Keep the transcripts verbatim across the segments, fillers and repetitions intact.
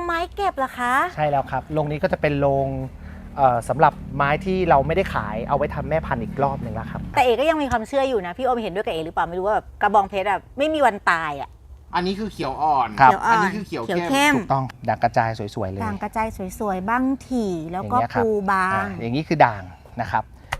ไม้เก็บเหรอคะใช่แล้วครับโรงนี้ก็จะเป็นโรงสำหรับไม้ที่เราไม่ได้ขายเอาไว้ทำแม่พันธุ์อีกรอบหนึ่งแล้วครับแต่เอก็ยังมีความเชื่ออยู่นะพี่โอมเห็นด้วยกับเอหรือเปล่าไม่รู้ว่าแบบกระบองเพชรแบบไม่มีวันตายอ่ะอันนี้คือเขียวอ่อนครับอันนี้คือเขียวเข้มถูกต้องด่างกระจายสวยๆเลยด่างกระจายสวยๆบ้างถี่แล้วก็ปูบางอย่างนี้คือด่างนะครับ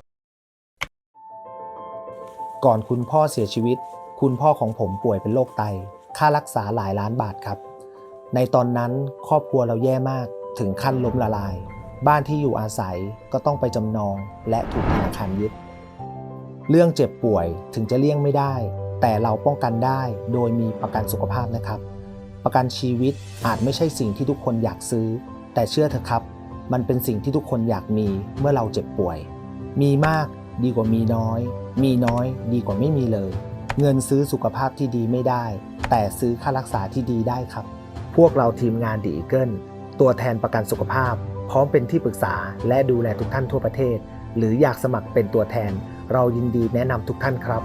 ก่อนคุณพ่อเสียชีวิตคุณพ่อของผมป่วยเป็นโรคไตค่ารักษาหลายล้านบาทครับในตอนนั้นครอบครัวเราแย่มากถึงขั้นล้มละลายบ้านที่อยู่อาศัยก็ต้องไปจำนองและถูกธนาคารยึดเรื่องเจ็บป่วยถึงจะเลี่ยงไม่ได้แต่เราป้องกันได้โดยมีประกันสุขภาพนะครับประกันชีวิตอาจไม่ใช่สิ่งที่ทุกคนอยากซื้อแต่เชื่อเถอะครับมันเป็นสิ่งที่ทุกคนอยากมีเมื่อเราเจ็บป่วยมีมากดีกว่ามีน้อยมีน้อยดีกว่าไม่มีเลยเงินซื้อสุขภาพที่ดีไม่ได้แต่ซื้อค่ารักษาที่ดีได้ครับพวกเราทีมงานดีอีเกิลตัวแทนประกันสุขภาพพร้อมเป็นที่ปรึกษาและดูแลทุกท่านทั่วประเทศหรืออยากสมัครเป็นตัวแทนเรายินดีแนะนำทุกท่านครับ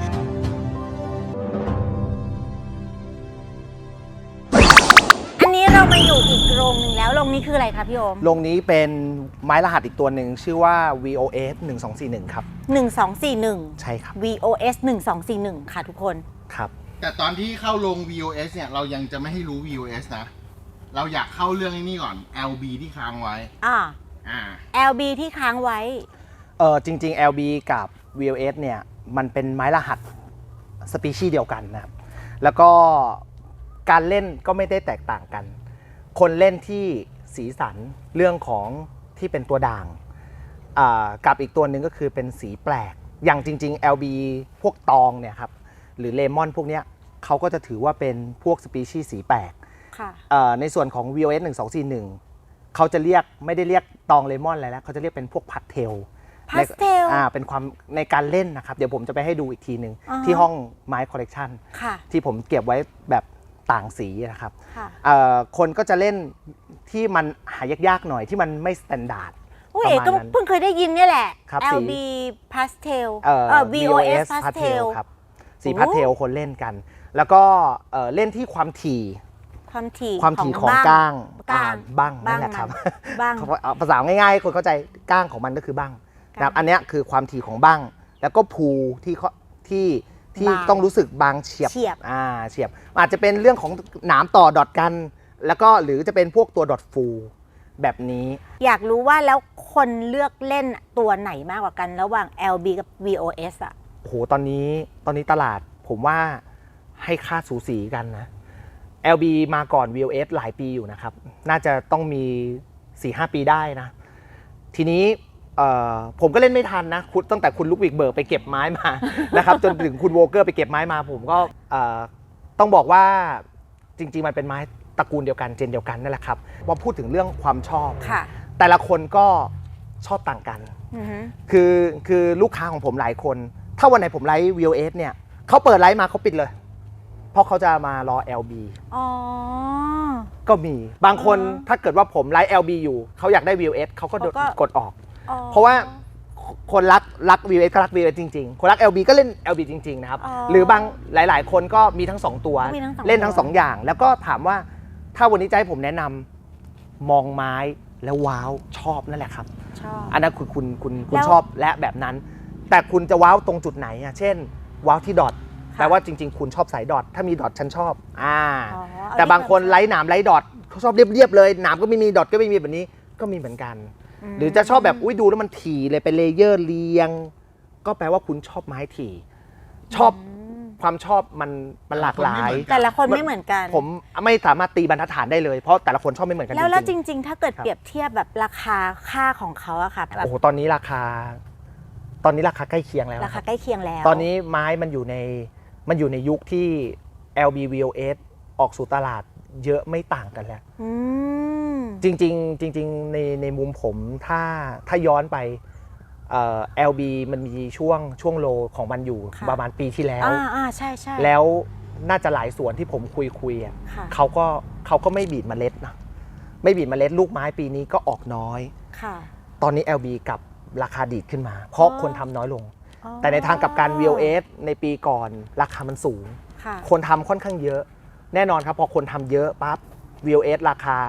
อันนี้เรามาอยู่อีกโรงหนึ่งแล้วโรงนี้คืออะไรคะพี่โอมโรงนี้เป็นไม้รหัสอีกตัวหนึ่งชื่อว่า วี โอ เอส หนึ่งสองสี่หนึ่งครับหนึ่งสองสี่หนึ่งใช่ครับวี โอ เอส หนึ่งสองสี่หนึ่งค่ะทุกคนครับแต่ตอนที่เข้าลง วี โอ เอส เนี่ยเรายังจะไม่ให้รู้ วี โอ เอส นะเราอยากเข้าเรื่องนี้ก่อน แอล บี ที่ค้างไว้อ่าอ่าแอล บี ที่ค้างไว้เออจริงๆ แอล บี กับ วี โอ เอส เนี่ยมันเป็นไม้รหัสสปีชีส์เดียวกันนะครับแล้วก็การเล่นก็ไม่ได้แตกต่างกันคนเล่นที่สีสันเรื่องของที่เป็นตัวด่างกับอีกตัวหนึ่งก็คือเป็นสีแปลกอย่างจริงๆ แอล บี พวกตองเนี่ยครับหรือเลมอนพวกเนี้ยเขาก็จะถือว่าเป็นพวกสปีชีส์สีแปลกในส่วนของ วี โอ เอส หนึ่งสองสี่หนึ่งเขาจะเรียกไม่ได้เรียกตองเลมอนอะไรแล้วเขาจะเรียกเป็นพวกพัดเทลพาสเทลอ่าเป็นความในการเล่นนะครับเดี๋ยวผมจะไปให้ดูอีกทีหนึ่งที่ห้องไม้คอลเลกชันที่ผมเก็บไว้แบบต่างสีนะครับคนก็จะเล่นที่มันหายากๆหน่อยที่มันไม่สแตนดาร์ดประมาณนั้นเพิ่งเคยได้ยินนี่แหละ แอล บี Pastel เอ่อ วี โอ เอส Pastel ครับสีพาสเทลคนเล่นกันแล้วก็เล่นที่ความถี่ความถี่ความถี่ของก้างบ้างนั่นแหละครับภาษาง่ายๆคนเข้าใจก้างของมันก็คือบ้างนะครับอันนี้คือความถี่ของบ้างแล้วก็ภูที่ที่ที่ต้องรู้สึกบางเฉียบอ่าเฉียบอาจจะเป็นเรื่องของหนามต่อดอทกันแล้วก็หรือจะเป็นพวกตัวดอทฟูแบบนี้อยากรู้ว่าแล้วคนเลือกเล่นตัวไหนมากกว่ากันระหว่าง แอล บี กับ วี โอ เอส อ่ะโอ้โหตอนนี้ตอนนี้ตลาดผมว่าให้ค่าสูสีกันนะ แอล บี มาก่อน วี โอ เอส หลายปีอยู่นะครับน่าจะต้องมี สี่ห้า ปีได้นะทีนี้ผมก็เล่นไม่ทันนะตั้งแต่คุณลุกวิกเบิร์กไปเก็บไม้มานะครับจนถึงคุณโวเกอร์ไปเก็บไม้มาผมก็ต้องบอกว่าจริงๆมันเป็นไม้ตระกูลเดียวกันเจนเดียวกันนั่นแหละครับพอพูดถึงเรื่องความชอบแต่ละคนก็ชอบต่างกันคือคือลูกค้าของผมหลายคนถ้าวันไหนผมไลฟ์ วี โอ เอส เนี่ยเขาเปิดไลฟ์มาเขาปิดเลยเพราะเขาจะมารอ แอล บีอ๋อก็มีบางคนถ้าเกิดว่าผมไลฟ์ แอล บี อยู่เขาอยากได้ วี โอ เอส เขาก็กดออกเพราะว่าคนรักรัก วี โอ เอส ก็รัก วี โอ เอส จริงๆคนรัก แอล บี ก็เล่น แอล บี จริงๆนะครับหรือบางหลายๆคนก็มีทั้งสองตัวเล่นทั้งสองอย่างแล้วก็ถามว่าถ้าวันนี้จะให้ผมแนะนำมองไม้แล้วว้าวชอบนั่นแหละครับอันนั้นคือคุณคุณคุณชอบและแบบนั้นแต่คุณจะว้าวตรงจุดไหนอ่ะเช่นว้าวที่ดอทแปลว่าจริงๆคุณชอบสายดอทถ้ามีดอทฉันชอบอ่าแต่บางคนไร้หนามไร้ดอทเขาชอบเรียบๆเลยหนามก็ไม่มีดอทก็ไม่มีแบบนี้ก็มีเหมือนกันหรือจะชอบแบบอุ้ยดูแล้วมันถี่เลยเป็นเลเยอร์เรียงก็แปลว่าคุณชอบไม้ถี่ชอบความชอบมันมันหลากหลายแต่ละคนไม่เหมือนกันผมไม่สามารถตีบรรทัดฐานได้เลยเพราะแต่ละคนชอบไม่เหมือนกันแล้วแล้วจริงๆถ้าเกิดเปรียบเทียบแบบราคาค่าของเขาอะค่ะโอ้โหตอนนี้ราคาตอนนี้ราคาใกล้เคียงแล้วราคาใกล้เคียงแล้วตอนนี้ไม้มันอยู่ในมันอยู่ในยุคที่ แอล บี วี โอ เอส ออกสู่ตลาดเยอะไม่ต่างกันแล้วจริงๆจริงๆในในมุมผมถ้าถ้าย้อนไป แอล บี มันมีช่วงช่วงโลของมันอยู่ประมาณปีที่แล้วอ่าใช่ใช่แล้วน่าจะหลายส่วนที่ผมคุยคุยอ่ะเขาก็เขาก็ไม่บีบเมล็ดนะไม่บีบเมล็ดลูกไม้ปีนี้ก็ออกน้อยตอนนี้ แอล บี กับราคาดีดขึ้นมาเพราะคนทำน้อยลงแต่ในทางกับการ วี โอ เอส ในปีก่อนราคามันสูงคนทำค่อนข้างเยอะแน่นอนครับพอคนทำเยอะปั๊บ วี โอ เอส ราคา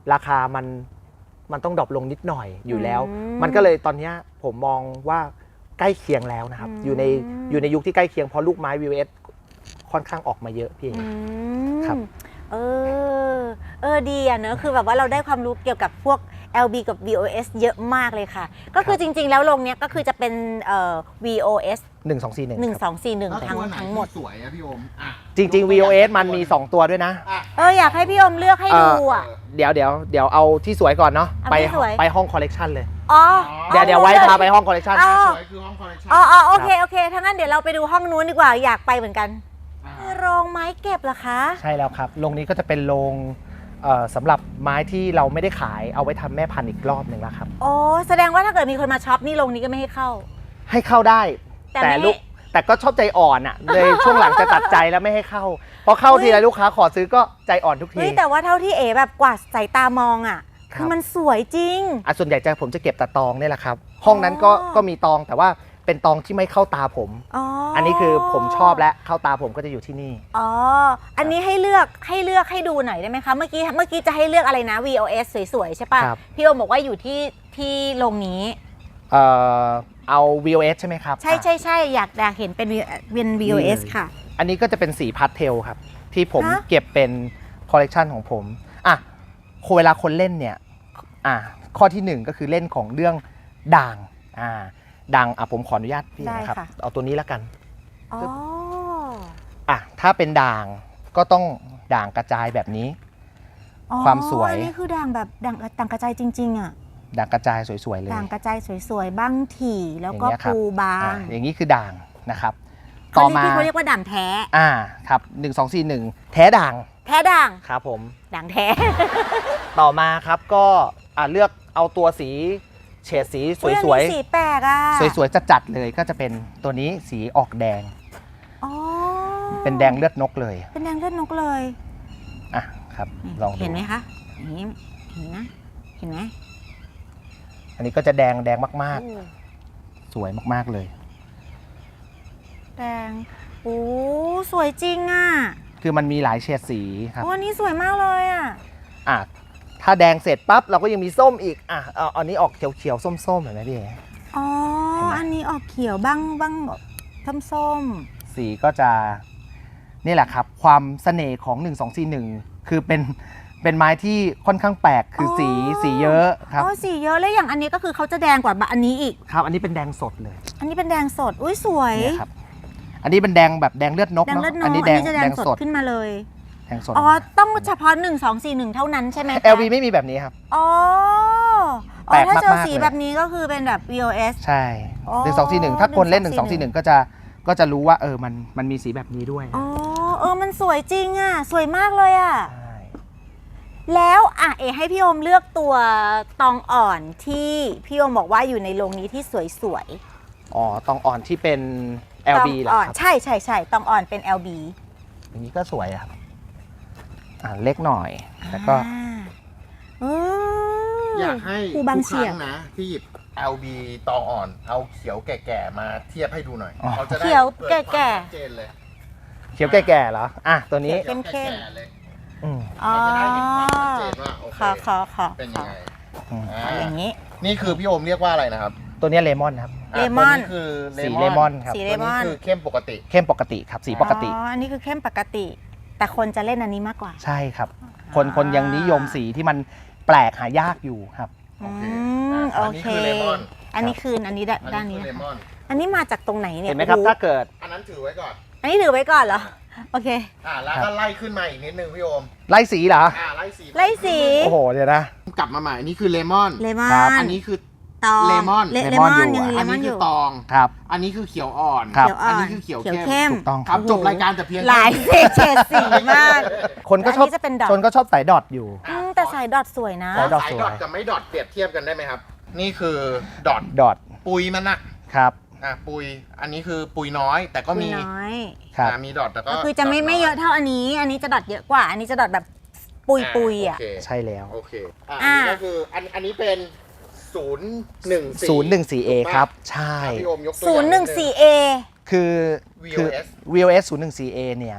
ราคามันมันต้องดรอปลงนิดหน่อยอยู่แล้วอืมมันก็เลยตอนเนี้ยผมมองว่าใกล้เคียงแล้วนะครับอืมอยู่ในอยู่ในยุคที่ใกล้เคียงเพราะลูกไม้ วี โอ เอส ค่อนข้างออกมาเยอะพี่เออืมครับเออเออดีอ่ะเนอะคือแบบว่าเราได้ความรู้เกี่ยวกับพวก แอล บี กับ วี โอ เอส เยอะมากเลยค่ะ ก็คือจริง ๆ แล้วโรงเนี้ยก็คือจะเป็นเอ่อ วี โอ เอสหนึ่ง สอง สี่ หนึ่งหนึ่งครับสองสี่หนึ่งแล้วทั้งตัวไหนทั้งหมดที่สวยอะพี่โอมอ่ะจริง ๆ วี โอ เอส มันมี สอง ตัวด้วยนะอ่ะเอออยากให้พี่อมเลือกให้ดูอ่ะเดี๋ยวเดี๋ยวเดี๋ยวเอาที่สวยก่อนเนาะเอาไปที่สวยไปห้องคอลเลกชันเลยอ๋อเดี๋ยวเดี๋ยวไว้พาไปห้องคอลเลกชันอ๋อสวยคือห้องคอลเลคชันอ๋ออ๋อโอเคโอเคถ้างั้นเดี๋ยวเราไปดูห้องนู้นดีกว่าอยากไปเหมือนกันอ่าโรงไม้เก็บเหรอคะใช่แล้วครับโรงนี้ก็จะเป็นโรงเอ่อสำหรับไม้ที่เราไม่ได้ขายเอาไว้ทำแม่พันธุ์อีกรอบหนึ่งแล้วครับโอ้แสดงว่าถ้าเกิดมีคนมาช็อปนี่โรงนี้ก็ไม่ให้เข้าให้เข้าได้แต่แต่ไม่ลูกแต่ก็ชอบใจอ่อนอ่ะเลยช่วงหลังจะตัดใจแล้วไม่ให้เข้าเพราะเข้าทีไรลูกค้าขอซื้อก็ใจอ่อนทุกทีเฮ้ยแต่ว่าเท่าที่เอ๋แบบกวาดสายตามองอ่ะครับคือมันสวยจริงอ่ะส่วนใหญ่จะผมจะเก็บแต่ตองนี่แหละครับ ห้องนั้นก็อ๋อก็มีตองแต่ว่าเป็นตองที่ไม่เข้าตาผมอ๋ออัอันนี้คือผมชอบและเข้าตาผมก็จะอยู่ที่นี่อ๋ออันนี้ให้เลือกให้เลือกให้ดูหน่อยได้ไหมคะเมื่อกี้เมื่อกี้จะให้เลือกอะไรนะ วี โอ เอส สวยๆใช่ป่ะครับพี่โอมบอกว่าอยู่ที่ที่โรงนี้เอ่อเอา วี โอ เอส ใช่ไหมครับใช่อ่ะใช่ใช่อยากอยากเห็นเป็น V- เป็น วี โอ เอสนี่เลยค่ะอันนี้ก็จะเป็นสีพาสเทลครับ ที่ผมฮะเก็บเป็นคอลเลกชันของผมอ่ะเวลาคนเล่นเนี่ยอ่ะข้อที่หนึ่งก็คือเล่นของเรื่องด่างอ่าด่างอ่ะผมขออนุญาตพี่ได้นะครับค่ะเอาตัวนี้แล้วกันอ๋ออ่ะถ้าเป็นด่างก็ต้องด่างกระจายแบบนี้อ๋อความสวยอันนี้คือด่างแบบด่างด่างกระจายจริงๆอ่ะด่างกระจายสวยๆเลยด่างกระจายสวยๆบ้างถี่แล้วก็อย่างเงี้ยครับปูบาอ่ะงอย่างนี้คือด่างนะครับเขาต่อเรียกมาที่เขาเรียกว่าด่างแท้อ่าครับหนึ่งสองสี่หนึ่งแท้ด่างแท้ด่างครับผมด่างแท้ต่อมาครับก็อ่ะเลือกเอาตัวสีเฉดสีสอุ๊วยอันนี้สีแปลกอ่ะๆ สวยๆจัดๆเลยก็จะเป็นตัวนี้สีออกแดงอ๋อเป็นแดงเลือดนกเลยเป็นแดงเลือดนกเลยอ่ะครับลองดูเห็นไหมคะอย่างนี้เห็นนะเห็นไหมอันนี้ก็จะแดงแดงมากโอ้ๆ สวยมากๆเลยแดงโอ้สวยจริงอ่ะคือมันมีหลายเฉดสีครับโอ้อันนี้สวยมากเลยอ่ะอ่ะถ้าแดงเสร็จปั๊บเราก็ยังมีส้มอีกอ่ะเอาอันนี้ออกเขียวๆส้มๆเห็นไหมพี่เอ๋อ๋อเห็นไหมอันนี้ออกเขียวบ้างบ้างส้มส้มสีก็จะนี่แหละครับ ความเสน่ห์ของหนึ่ง สอง สี่ หนึ่งคือเป็นเป็นไม้ที่ค่อนข้างแปลกคือสีสีเยอะครับอ๋อสีเยอะแล้วอย่างอันนี้ก็คือเขาจะแดงกว่าอันนี้อีกครับอันนี้เป็นแดงสดเลยอันนี้เป็นแดงสด อุ้ยสวยเนี่ยครับอันนี้เป็นแดงแบบแดงเลือดนกแดงเนาะเลือดนกอัอันนนี้นี้แดงจะแดแดงงสดสดขึ้นมาเลยแดงสดอ๋อ ต้องเฉพาะหนึ่ง สอง สี่ หนึ่งเท่านั้นใช่ไหมคะแอล วี ไม่มีแบบนี้ครับอ๋ออ๋แปลอก ถ้าเจอมากๆสีเลยแบบนี้ก็คือเป็นแบบ วี โอ เอสใช่อ๋อหนึ่งสองสี่หนึ่งถ้าคนเล่นหนึ่งสองสี่หนึ่งก็จะก็จะรู้ว่าเออมันมันมีสีแบบนี้ด้วยอ๋อ เออ มันสวยจริงอ่ะ สวยมากเลยอ่ะใช่แล้วอ่ะเอให้พี่โอมเลือกตัวตองอ่อนที่พี่โอมบอกว่าอยู่ในโรงนี้ที่สวยอ๋อตองอ่อนที่เป็นๆแอล บีตองเหรออ่อนครับใช่ใช่ใช่ตองอ่อนเป็น แอล บีอย่างนี้ก็สวยอะครับอ่าเล็กหน่อยแล้วก็อ่าเอออยากให้ครูทุกบางคเฉียรั้บงนะที่หยิบ แอล บี ตองอ่อน เอาเขียวแก่ๆมาเทียบให้ดูหน่อยอ๋อเขาจะได้เขียวเกิดแก่ความชัดเจนเลยเขียวแก่ๆเหรออ่ะตัวนี้เข้มๆแก่ๆเลยอืมอ๋อเราจะได้เห็นความชัดเจนว่าโอเคขอขอขอเป็นขยัองไงอืมอ่าเอาอย่างนี้นี่คือพี่โอมเรียกว่าอะไรนะครับตัวเนี้ยเลมอนครับะเลมอนตัวคือสีเลมอนครับสีตัวเลมอนนี้คือเข้มปกติเข้มปกติครับสีปกติอ๋อ อันนี้คือเข้มปกติ แต่คนจะเล่นอันนี้มากกว่าใช่ครับ คนคนยังนิยมสีที่มันแปลกหายากอยู่ครับโอเคอืมอ่ะโออันนี้เคคือเลมอนอันนี้คืออันนี้ด้านอันด้านนี้นี้คือเลนะมคะอนอันนี้มาจากตรงไหนเนี่ยเห็นไหมครับโอ้โถ้าเกิดอันนั้นถือไว้ก่อนอันนี้ถือไว้ก่อนเหรอ โอเคอ่าแล้วก็ไล่ขึ้นมาอีกนิดนึงพี่โอมไล่สีเหรออ่าไล่สีไล่สีโอ้โหเดี๋ยวนะกลับมาใหม่อันนี้คือเลมอนเลมอครับนอันนี้คือตองเลมอนเลเลเลมมออน นอยู่ยังอันเลมอนี้นอคือยู่ ตองครับอันนี้คือเขียวอ่อนครับเขียวอ่อนอันนี้คือเขียวเข้มเข้มถูกต้องครับโอ้โหจบรายการแต่เพียงหลายเฉดเฉดสีมากคนก็ชอบอันนี้จะเป็นดอทคนก็ชอบสายดอทอยู่อืมแต่สายดอทสวยนะสายดอทสายดอทกับไม่ดอทเปรียบเทียบกันได้ไหมครับ นี่คือดอทดอทปุยมันอะครับอ่ะปุย อันนี้คือปุยน้อย แต่ก็มีปุยน้อยครับอ่ะมีดอทแต่ก็ก็คือจะไม่ดทไม่เยอะเท่าอันนี้ อันนี้จะดอทเยอะกว่า อันนี้จะดอทแบบปุยปุยๆอ่ะโเคใช่แล้วโอเคอ่ะอ่ะอันนี้ก็คืออันอันนี้เป็นศูนย์หนึ่งสี่ศูนย์หนึ่งสี่เอครับ ใช่พี่โอมยกตัวอศูย่างนย์หนึ่งสี่เอคือคือวี โอ เอสวี โอ เอส ศูนย์หนึ่งสี่เอเนี่ย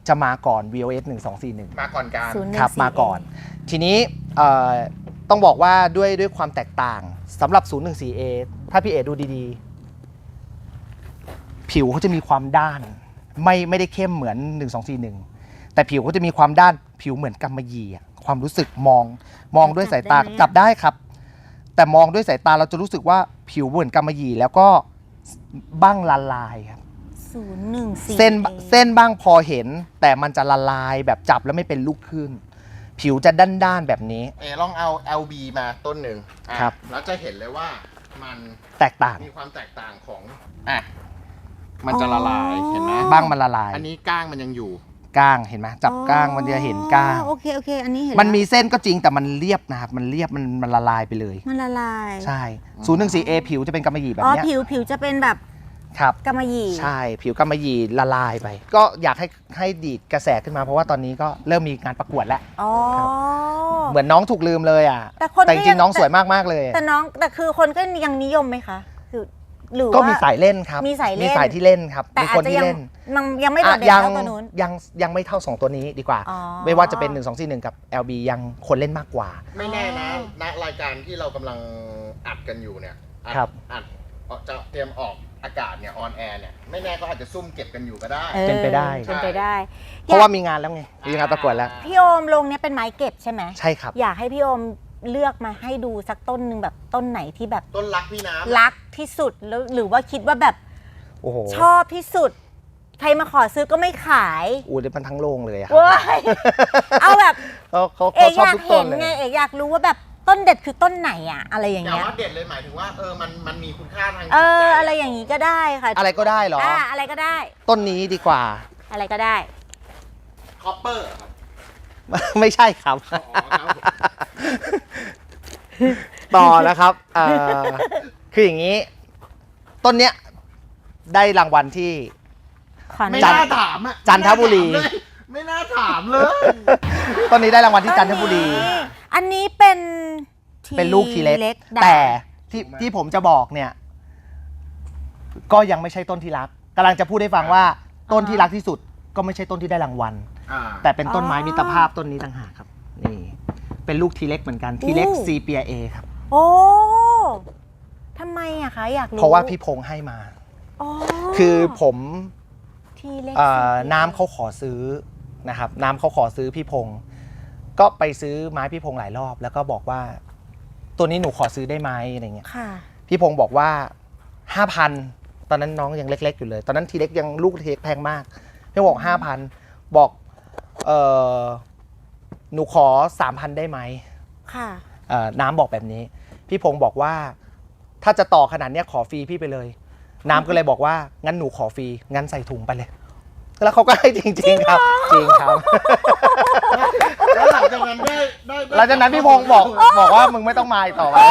จะมาก่อน วี โอ เอส หนึ่งสองสี่หนึ่งมาก่อนการศูนย์หนึ่งครับสี่มาก่อน ทีนี้เอ่อต้องบอกว่าด้วยด้วยความแตกต่างสำหรับ ศูนย์หนึ่งสี่เอ ถ้าพี่เอดูดีๆ ผิวเขาจะมีความด้านไม่ไม่ได้เข้มเหมือนหนึ่งสองสี่หนึ่งแต่ผิวเขาจะมีความด้านผิวเหมือนกำมะหยี่อะความรู้สึกมองมองด้วยสายตาจับได้ไหมอะจับได้ครับ แต่มองด้วยสายตาเราจะรู้สึกว่าผิวเหมือนกำมะหยี่แล้วก็บ้างละลายครับศูนย์หนึ่งสี่เส้นเส้นบ้างพอเห็น แต่มันจะละลายแบบจับแล้วไม่เป็นลูกขึ้น ผิวจะด้านๆแบบนี้เอลองเอา แอล บี มาต้นหนึ่งอ่ะครับแล้วจะเห็นเลยว่ามันแตกต่างมีความแตกต่างของอ่ะมันจะละลายเห็นไหมบ้างมันละลายอันนี้ก้างมันยังอยู่ก้างเห็นไหมจับก้างมันจะเห็นก้างโอเคโอเคอันนี้เห็นมันมีแล้วเส้นก็จริงแต่มันเรียบนะครับมันเรียบมันมันละลายไปเลยมันละลายใช่ ศูนย์หนึ่งสี่เอ ผิวจะเป็นกำมะหยี่แบบอ๋อเนี้ยผิวผิวจะเป็นแบบครับกำมะหยี่ใช่ผิวกำมะหยี่ละลายไป ก็อยากให้ให้ดีดกระแสขึ้นมาเพราะว่าตอนนี้ก็เริ่มมีงานประกวดแล้วอ๋อเหมือนน้องถูกลืมเลยอ่ะแต่คนก็แต่จริยังงๆน้องสวยมากๆเลยแต่น้องแต่คือคนก็ยังนิยมไหมคะคือหรือก็ว่ามีสายเล่นครับมีสายเล่นมีสายที่เล่นครับแต่มีอาคจนจะที่ยังเล่นมันยังไม่โดดเด่นอ่ะเท่าตัวนู้นยังยังไม่เท่าสองตัวนี้ดีกว่าอ๋อไม่ว่าจะเป็นหนึ่ง สอง สี่ หนึ่งกับ แอล บี ยังคนเล่นมากกว่าไม่แน่นะณรายการที่เรากำลังอัดกันอยู่เนี่ยอัดครับอัดจะเตรียมออกอากาศเนี่ยออนแอร์เนี่ยไม่แน่ก็อาจจะซุ่มเก็บกันอยู่ก็ได้ออเป็นไปได้เป็นไปได้เพราะว่ามีงานแล้วไงมีงานประกวดแล้วพี่โอมลงเนี้ยเป็นไม้เก็บใช่ไหมใช่ครับอยากให้พี่โอมเลือกมาให้ดูสักต้นหนึ่งแบบต้นไหนที่แบบต้นรักพี่น้ำรักที่สุดแล้วหรือว่าคิดว่าแบบโอ้โหชอบที่สุด ใครมาขอซื้อก็ไม่ขายอู้เดี๋ยวมันทั้งโรงเลยอะครับเว้ยเอาแบบเขาเขาเอเขากชอบอยากทุกต้เห็นนเลยไงเอกอยากรู้ว่าแบบต้นเด็ดคือต้นไหนอะอะไรอย่างอย่าเงี้ยว่าเด็ดเลยหมายถึงว่าเออมันมันมีคุณค่าทางจิตเออใจอะไรอย่างงี้ก็ได้ค่ะอะไรก็ได้เหรออ่าอะไรก็ได้ต้นนี้ดีกว่าอะไรก็ได้คอปเปอร์ครับไม่ใช่ครับอ๋อครับผมต่อนะครับเอ่อคืออย่างนี้ ต้นเนี้ยได้รางวัลที่ขออนุไม่ญาตน่าถามอ่ะจันทบุรีไม่น่าถามเลยต้นนี้ได้รางวัลที่จันทบุรีอันนี้เป็นทีเป็นลูกทีเล็กด่างแต่ที่ที่ผมจะบอกเนี่ย ก็ยังไม่ใช่ต้นที่รักกำลังจะพูดให้ฟังว่าต้นที่รักที่สุด ก็ไม่ใช่ต้นที่ได้รางวัลอ่าแต่เป็นต้นไม้มิตรภาพต้นนี้ต่างหากครับ นี่ เป็นลูกทีเล็กเหมือนกันทีเล็กซีเปียเอครับโอ้ทำไมอะคะอยากรู้เพราะว่าพี่พงษ์ให้มาอ๋อคือผมทีเล็กเอ่อสีน้ำเขาขอซื้อนะครับ น้ำเขาขอซื้อพี่พงษ์ก็ไปซื้อไม้พี่พงษ์หลายรอบ แล้วก็บอกว่า ตัวนี้หนูขอซื้อได้ไหมอะไรเงี้ยค่ะพี่พงษ์บอกว่าห้าพันตอนนั้นน้องยังเล็กๆอยู่เลย ตอนนั้นทีเล็กยังลูกทีเล็กแพงมากพี่บอกห้าพันบอกเออหนูขอสามพันได้ไหมค่ะเอ่อน้ำบอกแบบนี้ พี่พงษ์บอกว่า ถ้าจะต่อขนาดเนี้ยขอฟรีพี่ไปเลย น้ำก็เลยบอกว่างั้นหนูขอฟรีงั้นใส่ถุงไปเลย แล้วเขาก็ให้จริงๆครับ จริงครับแล้วหลังจากนั้นได้ได้ได้หลังจากนั้นพี่พงษ์บอกบอกว่ามึงไม่ต้องมาอีกต่อไป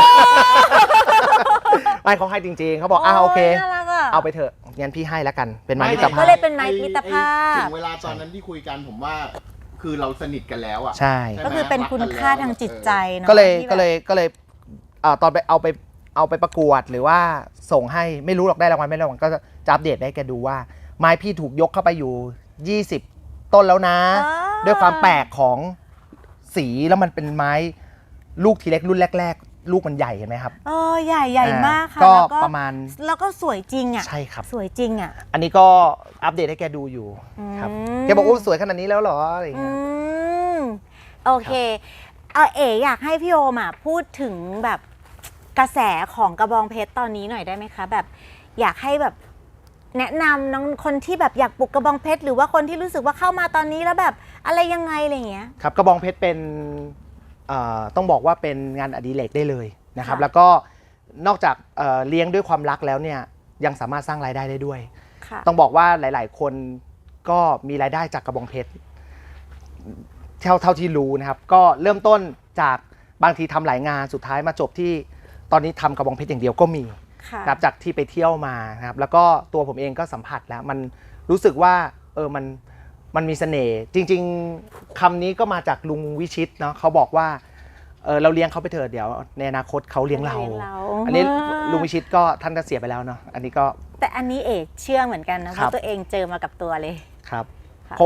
ไม่เขาให้จริงๆเขาบอกอ้าวโอเคยน่ารักอะเอาไปเถอะงั้นพี่ให้แล้วกันเป็นไม้มิตรภาก็พเลยเป็นไม้มิตรภาพถึงเวลาตอนนั้นที่คุยกันผมว่า คือเราสนิทกันแล้วอ่ะใช่ใช่ก็คือเป็นคุณค่าทางจิตใจเนาะก็เลยที่แบบก็เลยก็เลยเอ่อตอนไปเอาไปเอาไปประกวดหรือว่าส่งให้ไม่รู้หรอกได้รางวัลไม่ได้รางวัลก็จะอัปเดตให้แกดูว่า ไม้พี่ถูกยกเข้าไปอยู่ยี่สิบต้นแล้วนะอ่าด้วยความแปลกของสีแล้วมันเป็นไม้ลูกทีเล็กรุ่นแรก ๆ ลูกมันใหญ่เห็นไหมครับเออใหญ่ใหญ่มากค่ะก็แล้วประมาณแล้วก็สวยจริงอ่ะใช่ครับสวยจริงอ่ะอันนี้ก็อัปเดตให้แกดูอยู่ครับอืมแกบอกโอ้สวยขนาดนี้แล้วเหรออะไรอย่างอืเงี้ยมโอเคเออเอ๋อยากให้พี่โอมอ่ะพูดถึงแบบกระแสของกระบองเพชรตอนนี้หน่อยได้ไหมคะ แบบอยากให้แบบแนะนำน้องคนที่แบบอยากปลูกกระบองเพชรหรือว่าคนที่รู้สึกว่าเข้ามาตอนนี้แล้วแบบอะไรยังไงอะไรเงี้ยครับกระบองเพชรเป็นเอ่อต้องบอกว่าเป็นงานอดิเรกได้เลยนะครับค่ะแล้วก็นอกจากเอ่อเลี้ยงด้วยความรักแล้วเนี่ยยังสามารถสร้างรายได้ได้ด้วยค่ะต้องบอกว่าหลาย ๆ คนก็มีรายได้จากกระบองเพชรเท่าเท่าที่รู้นะครับ ก็เริ่มต้นจากบางทีทำหลายงานสุดท้ายมาจบที่ตอนนี้ทำกระบองเพชรอย่างเดียวก็มีค่ะนะครับจากที่ไปเที่ยวมานะครับแล้วก็ตัวผมเองก็สัมผัสแล้วมันรู้สึกว่าเออมันมันมีเสน่ห์จริง ๆคำนี้ก็มาจากลุงวิชิตเนาะเขาบอกว่าเออเราเลี้ยงเขาไปเถอะเดี๋ยวในอนาคตเขาเลี้ยงเราเลี้ยงเราอันนี้ลุงวิชิตก็ท่านก็เสียไปแล้วเนาะอันนี้ก็แต่อันนี้เอกเชื่อเหมือนกันนะเพครัราะบตัวเองเจอมากับตัวเลยครับค่ะเพราะว่า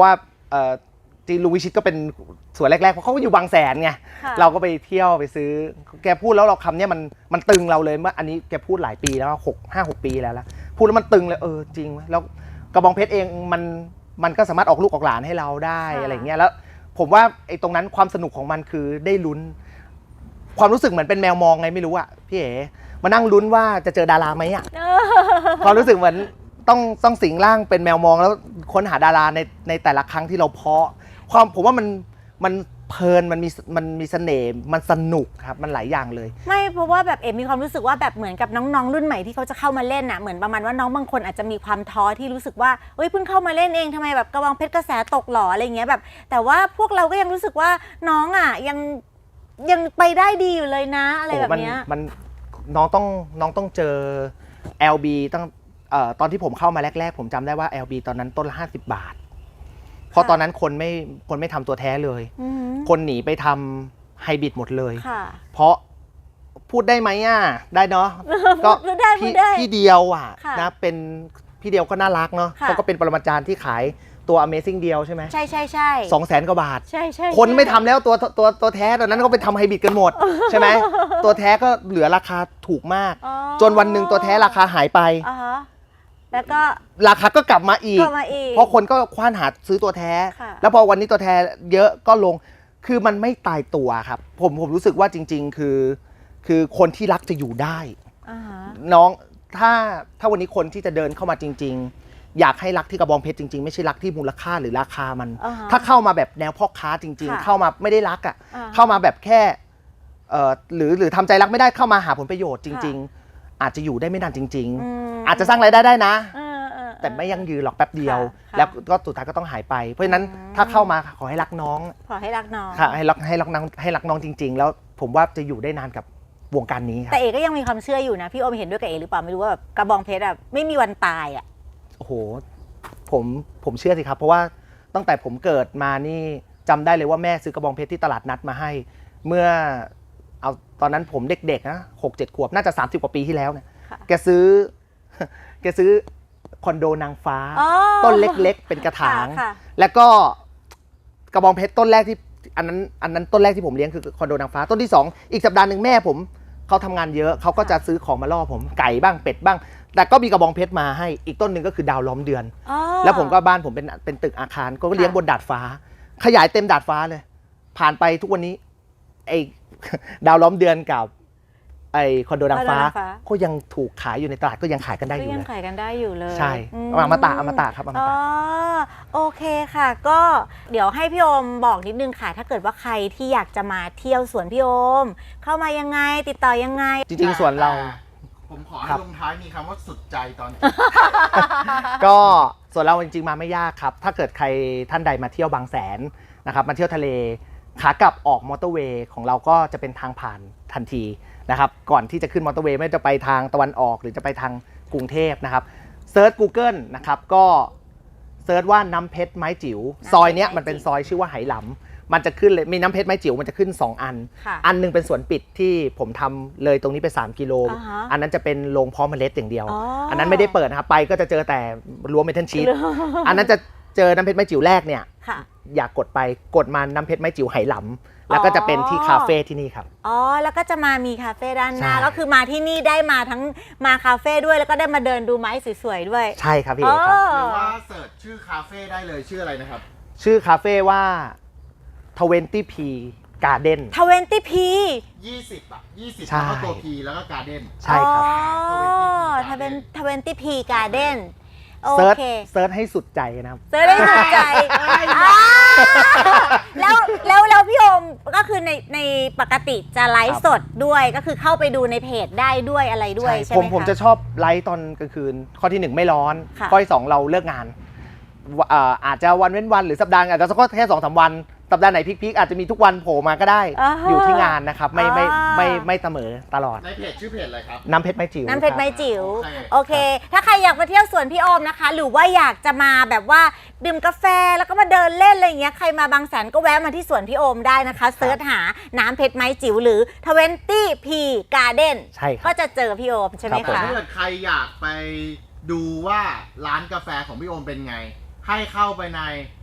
เอ่อจีนลุงวิชิตก็เป็นสวนแรกๆเพราะเขาก็อยู่บางแสนไงค่ะเราก็ไปเที่ยวไปซื้อแกพูดแล้วเราคำเนี้ยมันมันตึงเราเลยเมื่ออันนี้แกพูดหลายปีแล้วหกห้าหกปีแล้วละพูดแล้วมันตึงเลยเออจริงเว้ยแล้วกระบองเพชรเองมันมันก็สามารถออกลูกออกหลานให้เราได้อะไรเงี้ยแล้วผมว่าไอ้ตรงนั้นความสนุกของมันคือได้ลุ้น ความรู้สึกเหมือนเป็นแมวมองไงไม่รู้อะพี่เอ๋มานั่งลุ้นว่าจะเจอดาราไหมอะ ความรู้สึกเหมือนต้องต้องสิงร่างเป็นแมวมองแล้วค้นหาดาราในในแต่ละครั้งที่เราเพาะความผมว่ามันมันเพลินมันมีมันมีเสน่ห์มันสนุกครับมันหลายอย่างเลยไม่เพราะว่าแบบเอ็มมีความรู้สึกว่าแบบเหมือนกับน้องๆรุ่นใหม่ที่เขาจะเข้ามาเล่นน่ะเหมือนประมาณว่าน้องบางคนอาจจะมีความท้อที่รู้สึกว่าเอ้ยเพิ่งเข้ามาเล่นเองทำไมแบบกระบองเพชรกระแสตกหรออะไรเงี้ยแบบแต่ว่าพวกเราก็ยังรู้สึกว่าน้องอ่ะยังยังไปได้ดีอยู่เลยนะอะไรแบบเนี้ยโอ้มันมันน้องต้องน้องต้องเจอ แอล บี ตั้งเอ่อตอนที่ผมเข้ามาแรกๆผมจำได้ว่า แอล บี ตอนนั้นต้นละห้าสิบบาทเพราะตอนนั้นคนไม่คนไม่ทำตัวแท้เลยอือหือคนหนีไปทำไฮบริดหมดเลยค่ะเพราะพูดได้ไหมอ่ะได้เนาะก็พูดได้พูพี่ดได้พี่เดียวอ่ะค่ะนะเป็นพี่เดียวก็น่ารักเนาะค่ะเขาก็เป็นปรมาจารย์ที่ขายตัว Amazing เดียวใช่ไหมใช่ใช่ใช่สองแสนกว่าบาทใช่ใช่คนไม่ทำแล้วตัวตัวตัวแท้ตอนนั้นก็ไปทำไฮบริดกันหมด ใช่ไหมตัวแท้ก็เหลือราคาถูกมากอ๋อจนวันหนึ่งตัวแท้ราคาหายไปอ่าฮะแล้วก็ราคาก็กลับมาอีกก็มาอีกเพราะคนก็คว้านหาซื้อตัวแท้ค่ะแล้วพอวันนี้ตัวแท้เยอะก็ลงคือมันไม่ตายตัวครับ ผมผมรู้สึกว่าจริง ๆ คือ คือคนที่รักจะอยู่ได้อ่าฮะน้องถ้าถ้าวันนี้คนที่จะเดินเข้ามาจริง ๆ อยากให้รักที่กระบองเพชรจริงๆ ไม่ใช่รักที่มูลค่าหรือราคามันอ่าฮะถ้าเข้ามาแบบแนวพ่อค้าจริงค่ะๆ เข้ามาไม่ได้รักอ่ะอ่าฮะเข้ามาแบบแค่เอ่อหรือหรือทำใจรักไม่ได้เข้ามาหาผลประโยชน์จริง ๆ อาจจะอยู่ได้ไม่นานจริงอืมๆ อาจจะสร้างรายได้ได้นะเออเออแต่ไม่ยั่งยืนหรอกแป๊บเดียวค่ะแล้วก็สุดท้ายก็ต้องหายไป เพราะฉะนั้นอืมถ้าเข้ามาขอให้รักน้องขอให้รักน้องค่ะให้รักให้รักน้องให้รักน้องจริง ๆ แล้วผมว่าจะอยู่ได้นานกับวงการนี้ครับแต่เอกก็ยังมีความเชื่ออยู่นะพี่โอมเห็นด้วยกับเอกหรือเปล่าไม่รู้ว่าแบบกระบองเพชรอะไม่มีวันตายอะโอ้โหผมผมเชื่อสิครับ เพราะว่าตั้งแต่ผมเกิดมานี่จำได้เลยว่าแม่ซื้อกระบองเพชรที่ตลาดนัดมาให้ เมื่อเอาตอนนั้นผมเด็กๆนะหกเจ็ดขวบน่าจะสามสิบกว่าปีที่แล้วเนี่ยค่ะแกซื้อ แกซื้อคอนโดนางฟ้าอ๋อต้นเล็กๆ เป็นกระถางค่ะแล้วก็กระบองเพชรต้นแรกที่อันนั้นอันนั้นต้นแรกที่ผมเลี้ยงคือคอนโดนางฟ้าต้นที่สองอีกสัปดาห์หนึ่งแม่ผมเขาทำงานเยอะเขาก็จะซื้อของมาล่อผมไก่บ้างเป็ดบ้าง แต่ก็มีกระบองเพชรมาให้อีกต้นหนึ่งก็คือดาวล้อมเดือนอ๋อแล้วผมก็บ้านผมเป็นเป็นตึกอาคารก็เลี้ยงบนดาดฟ้า ขยายเต็มดาดฟ้าเลย ผ่านไปทุกวันนี้ไอ้ ดาวล้อมเดือนกับไอ้คอนโดนางฟ้า ก็ยังถูกขายอยู่ในตลาดก็ยังขายกันได้อก็ยู่ยังเลยขายกันได้อยู่เลยใช่อือมตะอมตะครับอมอ๋อตะโอเคค่ะ ก็เดี๋ยวให้พี่โอมบอกนิดนึงค่ะ ถ้าเกิดว่าใครที่อยากจะมาเที่ยวสวนพี่โอม เข้ามายังไงติดต่อยังไงจริงๆส่วนเราผมขอคให้รับลงท้ายมีคำว่าสุดใจตอนก็ส่วนเราจริงๆมาไม่ยากครับ ถ้าเกิดใครท่านใดมาเที่ยวบางแสนนะครับมาเที่ยวทะเลขากลับออกมอเตอร์เวย์ของเราก็จะเป็นทางผ่านทันทีนะครับก่อนที่จะขึ้นมอเตอร์เวย์ไม่ว่าจะไปทางตะวันออกหรือจะไปทางกรุงเทพนะครับเซิร์ช Google นะครับก็เซิร์ชว่าน้ำเพชรไม้จิ๋วซอยเนี้ยมันเป็นซอยชื่อว่าไหหลำมันจะขึ้นเลยมีน้ำเพชรไม้จิ๋วมันจะขึ้นสองอันค่ะอันหนึงเป็นสวนปิดที่ผมทำเลยตรงนี้ไปสามกิโลอ่าฮะอันนั้นจะเป็นโรงเพาะเมล็ดอย่างเดียวอ๋ออัอันนั้นไม่ได้เปิดนะครับไปก็จะเจอแต่รั้วเมทัลชีต อันนั้นจะเจอน้ำเพชรไม้จิ๋วแรกเนี่ยค่ะอยากกดไปกดมาน้ำเพชรไม้จิ๋วไหหลำแล้วก็จะเป็นที่คาเฟ่ที่นี่ครับอ๋อ แล้วก็จะมามีคาเฟ่ด้านหน้าใช่ก็คือมาที่นี่ได้มาทั้งมาคาเฟ่ด้วยแล้วก็ได้มาเดินดูไม้สวยๆด้วยใช่ครับพี่เอกครับหรือว่าเสิร์ชชื่อคาเฟ่ได้เลยชื่ออะไรนะครับชื่อคาเฟ่ว่า ทเวนตี้ พี Garden ทเวนตี้พียี่สิบอ่ะยี่สิบใช่แล้วก็ตัว P แล้วก็การ์เด้นใช่ครับอ๋อทเวนทเวนตี้พีการ์เด้นโอเซิร์ชเคเซิร์ชให้สุดใจนะครับเซิร์ชได้ถูกใจอ่าแล้วแล้วแล้วพี่โอมก็คือในในปกติจะไลฟ์สดด้วยก็คือเข้าไปดูในเพจได้ด้วยอะไรด้วยใช่ไหผม มคะผมจะชอบไลฟ์ตอนกลางคืน ข้อที่หนึ่งไม่ร้อนค่ะข้อที่สองเราเลิกงานวะเอ่ออาจจะวันเว้นวันหรือสัปดาห์อาจจะสักแค่สองสามวัน สัปดาห์ไหนพีคๆอาจจะมีทุกวันโผล่มาก็ได้อ่าฮะอยู่ที่งานนะครับ ไม่ไม่อ่าไม่ไม่เสมอตลอดในเพจชื่อเพจอะไรครับน้ำเพชรไม้จิ๋วน้ำเพชรไม้ครับจิ๋วโอเคโอเค ถ้าใครอยากมาเที่ยวสวนพี่โอมนะคะ หรือว่าอยากจะมาแบบว่าดื่มกาแฟแล้วก็มาเดินเล่นอะไรอย่างเงี้ยใครมาบางแสนก็แวะมาที่สวนพี่โอมได้นะคะเซิร์ชหาน้ำเพชรไม้จิ๋วหรือ ทเวนตี้ พี Garden ใช่คก็รับจะเจอพี่โอมใช่ไหมครับผมคะถ้าเกิดใครอยากไปดูว่าร้านกาแฟของพี่โอมเป็นไง ให้เข้าไปใน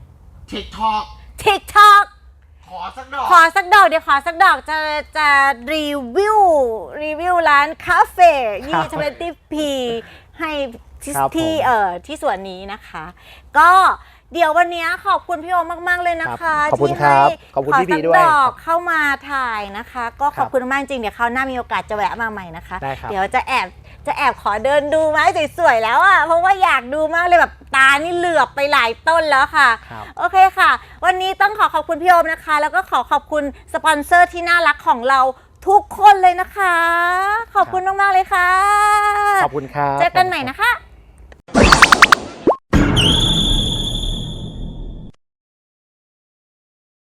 TikTok TikTok ขอสักดอกขอสักดอกเดี๋ยวขอสักดอกจะจะรีวิวรีวิวร้านคาเฟ่ครับยี่สิบพีให้ที่ครับผมที่เอ่อที่ส่วนนี้นะคะ ก็เดี๋ยววันนี้ขอบคุณพี่โอมากๆเลยนะคะขอบคุณที่ครับให้ขอบคุณขอพี่สับีกด้วยดอกเข้ามาถ่ายนะคะ ก็ขอบครับคุณมากจริงเดี๋ยวคราวหน้ามีโอกาสจะแวะมาใหม่นะคะได้ครับเดี๋ยวจะแอบจะแอบขอเดินดูไม้สวยๆแล้วอ่ะเพราะว่าอยากดูมากเลยแบบตานี่เหลือบไปหลายต้นแล้วค่ะครับโอเคค่ะ วันนี้ต้องขอขอบคุณพี่โอมนะคะ แล้วก็ขอขอบคุณสปอนเซอร์ที่น่ารักของเราทุกคนเลยนะคะ ขอบคุณมากๆเลยค่ะขอบคุณครับเจอกันใหม่นะคะ